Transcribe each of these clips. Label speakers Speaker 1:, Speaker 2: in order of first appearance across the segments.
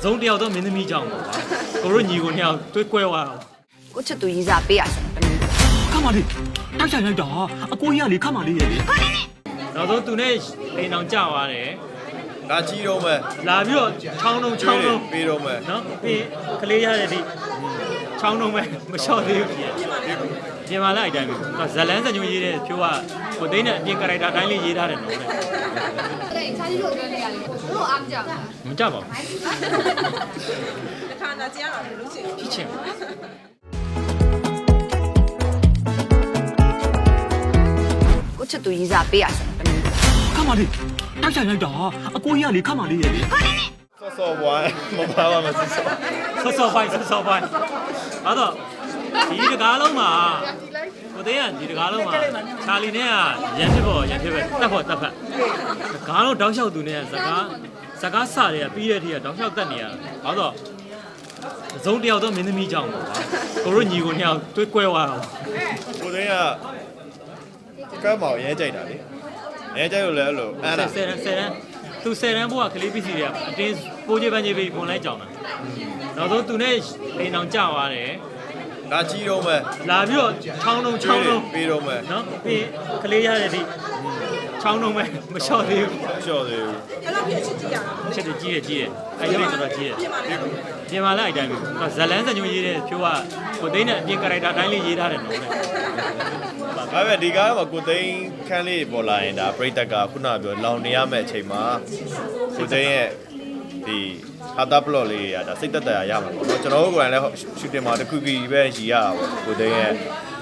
Speaker 1: 总调到没那么讲嘛，我说你个鸟对怪哇，
Speaker 2: 我吃对一下背啊，
Speaker 3: 干嘛的？当下来打啊！过夜里干嘛的也？
Speaker 1: 然后都那平常讲话嘞，
Speaker 4: 拿鸡肉没？
Speaker 1: 那比如长龙，
Speaker 4: 肥肉没？
Speaker 1: 喏，比可厉害的，长龙没，没晓得有别。今晚来一点没？那咱两个就一点，就话我等下边个来打单里一打的弄的。
Speaker 5: 对，差距就这样，如果俺讲，
Speaker 1: 没讲吧？
Speaker 6: 看那这样了，不行。
Speaker 1: 提前。
Speaker 2: 我吃对一下背啊，
Speaker 3: 干嘛的？当下来打啊！过夜里干嘛的也？
Speaker 4: ဆော့ပွားမပါပါမစစ်ဆော့
Speaker 1: ဆော့ပိုင်းအဲ့တော့ဒီတကားလုံးမှာဟိုတဲ့ကဒီတကားလုံးမှာချာလီနဲ့ကရန်ဖြစ်ပဲတက်ဖက်ကားလုံးတောက်လျှောက်သူနဲ့စကားစတွေကပြီးတဲ့ထိကတောက်လျှောက်တက်နေရအဲ့တော့ဇုံတယောက်တော့မင်းသမီးကြောင့်ပေါ့ကိုတို့ညီကိုနှစ်ယောက်တွေးကွဲသွားတာ
Speaker 4: ကိုသိန်းကကမ်းမောင်ရဲကြိုက်တာလေရဲကြိုက်လို့လည်းအဲ့လိုအဲ့ဒါ
Speaker 1: 10တန်းသူ10တန်းဘိုးကကလေးပစ္စည်းတွေကအတင်းပိုးချပန်းချပြီးပုံလိုက်ကြောင်တာနောက်ဆုံးသူနဲ့အိမ်အောင်ကြာသွားတယ်
Speaker 4: 拿鸡肉没？
Speaker 1: လာပြီးတော့ချောင်းလုံး
Speaker 4: 肥肉没？
Speaker 1: နော်ပြီးကလေးရတဲ့ဒီချောင်းလုံးပဲမလျှော့သေးဘူး
Speaker 4: 晓得。
Speaker 6: အဲ့လောက်ဖြစ်ချစ်ကြည့်ရတာ
Speaker 1: ချက်တွေကြီးတယ်အဲ့ဒီတော့ကြီးတယ်ပြင်မာလိုက်အတိုင်းပဲဇလန်းစံညွှန်ရေးတဲ့ဖြိုးကကိုသိန်းနဲ့အပြင်ကာရိုက်တာအတိုင်းလေးရေးထားတယ်နော်
Speaker 4: ဒါပေမဲ့ဒီကားမှာကိုသိန်းခန်းလေးပေါ်လာရင်ဒါပရိသတ်ကခုနကပြောလောင်နေရမယ့်အချိန်မှာကိုသိန်းရဲ့ဒီဟာတာပလော့လေးတွေကဒါစိတ်သက်သာရမှာပေါ့နော်ကျွန်တော်တို့ကိုယ်တိုင်လည်းရှူတင်မှာတစ်ခုခုပဲရည်ရတာပေါ့ကိုသိန်းရဲ့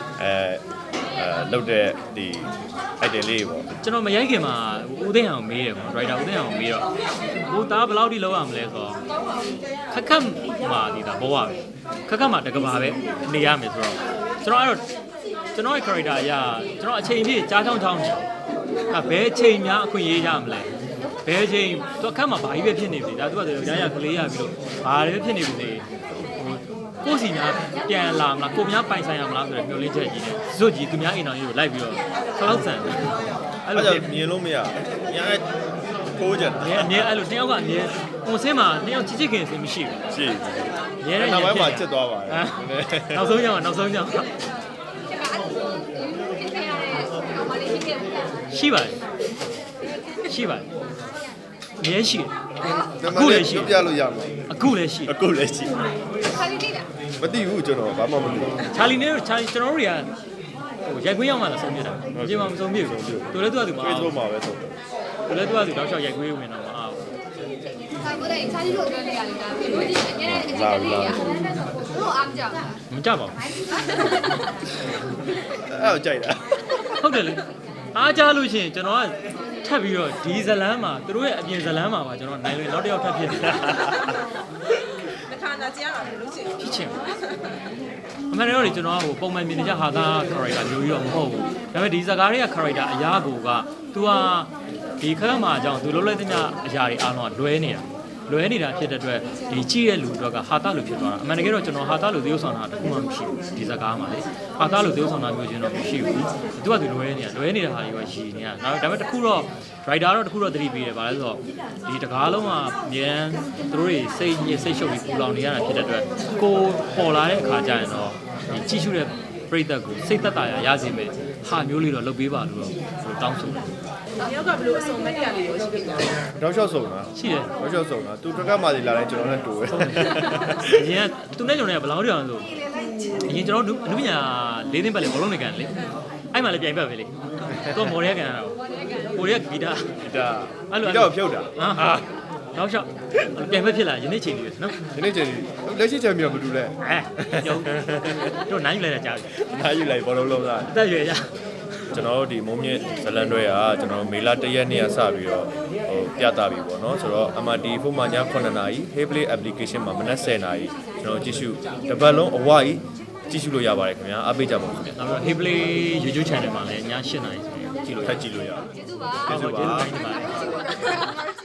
Speaker 4: လောက်တဲ့ဒီအိုက်တယ်လေးပေါ့
Speaker 1: ကျွန်တော်မရိုက်ခင်မှာဦးသိန်းအောင်မေးတယ်ပေါ့ဒရိုက်တာဦးသိန်းအောင်မေးတော့ဟိုသားဘယ်လောက်ထိလောက်ရမလဲဆိုတော့ခက်မှာဒီတာဘောရပဲခက်မှာတကဘာပဲနေရမယ်ဆိုတော့ကျွန်တော်အဲ့တော့ကျွန်တော်ရဲ့ character အရာကျွန်တော်အချိန်ပြည့်ကြားချောင်းချောင်းနေဘယ်အချိန်များအခွင့်ရေးရမလဲဘယ်အချိန်သူအခက်မှာဘာကြီးပဲဖြစ်နေပြီဒါသူကရရကလေးရပြီးတော့ဘာတွေပဲဖြစ်နေပြီလေကိုစီများပြန်လာမလားကိုများပိုင်ဆိုင်ရမလားဆိုတော့မျောလင်းချက်ကြီးနဲ့ဇွတ်ကြီးသူများအိမ်တော်ကြီးကိုလိုက်ပြီးတော့ခလောက်ဆန်တယ်အဲ့လို
Speaker 4: မြင်လို့မရညာထိုးကြတယ်
Speaker 1: အမြဲအဲ့လိုတယောက်ကအမြဲပုံစင်းမှာတယောက်ချစ်ချစ်ခင်စင်မရှိဘူး
Speaker 4: ရှိ
Speaker 1: ရဲတဲ့
Speaker 4: နောက်ပိုင်းမှာချစ်သွားပါတယ်
Speaker 1: နောက်ဆုံးကြောင်ရှိပါတယ်အမြဲရှိတယ်အခုလည်းရှိ
Speaker 4: ပြလို့ရမှာ
Speaker 1: အခုလည်းရှိ
Speaker 4: အခုလည်းရှိ
Speaker 5: 差距对的。
Speaker 4: မသိဘူးကျွန်တော်ဘာမှမသိဘူး
Speaker 1: ချာလီနဲ့ကျွန်တော်တို့တွေကဟိုရိုက်ခွေးရောက်မှလည်းဆုံးပြတာအပြင်မှာမဆုံးပြဘူးသူလည်းသူကသူမအား
Speaker 4: Facebook မှာပဲဆုံးတယ်
Speaker 1: သူလည်းသူကသူတောက်လျှောက်ရိုက်ခွေးဝင်တော့မအားဘူး
Speaker 5: 差不多，差距就这样的，比如你人家这个呀，如果俺讲，
Speaker 1: မကြပါဘူး
Speaker 4: အဲ့တော့ကြိုက်တာ
Speaker 1: ဟုတ်တယ်လေအားကြလို့ရှိရင်ကျွန်တော်ကထပ်ပြီးတော့ဒီဇလန်းမှာသူတို့ရဲ့အပြင်ဇလန်းမှာပါကျွန်တော်နိုင်လို့နောက်တစ်ယောက်ထပ်ဖြစ်နေတာ
Speaker 6: ခါနာကြည့်ရတာဘယ်လိုချင်
Speaker 1: ဖြစ်ချင်အမှန်တော့လေကျွန်တော်ကဟိုပုံမှန်မြင်နေကြဟာသား character မျိုးကြီးတော့မဟုတ်ဘူးဒါပေမဲ့ဒီဇကားတွေက character အရာကိုက तू ကဒီခက်မှာအကြောင်း तू လုံးလိုက်တဲ့အရာတွေအားလုံးကလွဲနေတာဖြစ်တဲ့အတွက်ဒီကြည့်တဲ့လူတွေကဟာသားလူဖြစ်သွားတာအမှန်တကယ်တော့ကျွန်တော်ဟာသားလူသေုပ်ဆောင်တာတခုမှမရှိဘူးဒီဇကားမှာလေဟာသားလူသေုပ်ဆောင်တာမျိုးချင်းတော့မရှိဘူး तू က तू လွဲနေတာဟာတွေပဲရှိနေတာဒါပေမဲ့တခုတော့ writer တော့တခုတော့သတိပေးတယ်ဗါလဲဆိုတော့ဒီတကားလုံးမှာအမြန်သူတို့တွေစိတ်ရှုပ်ပြီးပူလောင်နေရတာဖြစ်တဲ့အတွက်ကိုပေါ်လာတဲ့အခါကျရင်တော့ဒီကြည့်ရှုတဲ့ပရိသတ်ကိုစိတ်သက်သာရစေမယ်ဟာမျိုးလေးတော့လုပ်ပေးပါလို့တော့တောင်းဆိုတယ်
Speaker 6: ။ရောက်ကဘယ်လိုအစုံမတရားလေးရောရှိပြီလား
Speaker 4: တောက်လျှောက်ဆုံးတာ
Speaker 1: ရှိတယ်
Speaker 4: တောက်လျှောက်ဆုံးတာသူတက်ကမှစီလာတိုင်းကျွန်တော်နဲ့တူပဲ
Speaker 1: အရင်ကသူနဲ့ကျွန်တော်ကဘယ်လောက်တောင်ဆိုအရင်ကျွန်တော်အနုပညာ၄သိန်းပတ်လေဘောလုံးနေကန်လေအဲ့မှလည်းပြိုင်ပတ်ပဲလေတော့မော်ရဲကန်တာကိုရဲဂီတာ
Speaker 4: ဒါအဲ့လိုတော့ဖြုတ်တာ
Speaker 1: ဟာနောက်လျှောက်ပြိုင်ပတ်ဖြစ်လာယနေ့ချိန်လေးပဲနော်
Speaker 4: ဒီနေ့ချိန်လက်ရှိချန်ပီယံမတူလဲ
Speaker 1: ရုံတို့နိုင်ယူလိုက်တာကြားပြီ
Speaker 4: အားယူလိုက်ဘောလုံးလုံးသား
Speaker 1: အသက်ရွယ်ရ
Speaker 4: ကျွန်တော်တို့ဒီမုံမြင့်ဇလန်တွေကကျွန်တော်မေလ1ရက်နေ့ကစပြီးတော့ဟိုပြသပြီပေါ့နော်ဆိုတော့ MRT ဖုန်းမှာည9နာရီ Hayplay application မှာမနက်10နာရီကျွန်တော်ကြည့်ရှုတစ်ပတ်လုံးအဝကြီးကြည့်ရှုလို့ရပါတယ်ခင်ဗျာအားပေးကြပါဦးခင်ဗျာ
Speaker 1: နောက်ပြီး Hayplay YouTube channel မှာလည်းည7:00နာရီဆိုရင်ကြည့်လို့
Speaker 4: ထပ်ကြည့်လို့ရအောင်
Speaker 5: 结束吧。
Speaker 1: ကျေးဇူးပါကျေးဇူးတင်ပါတယ်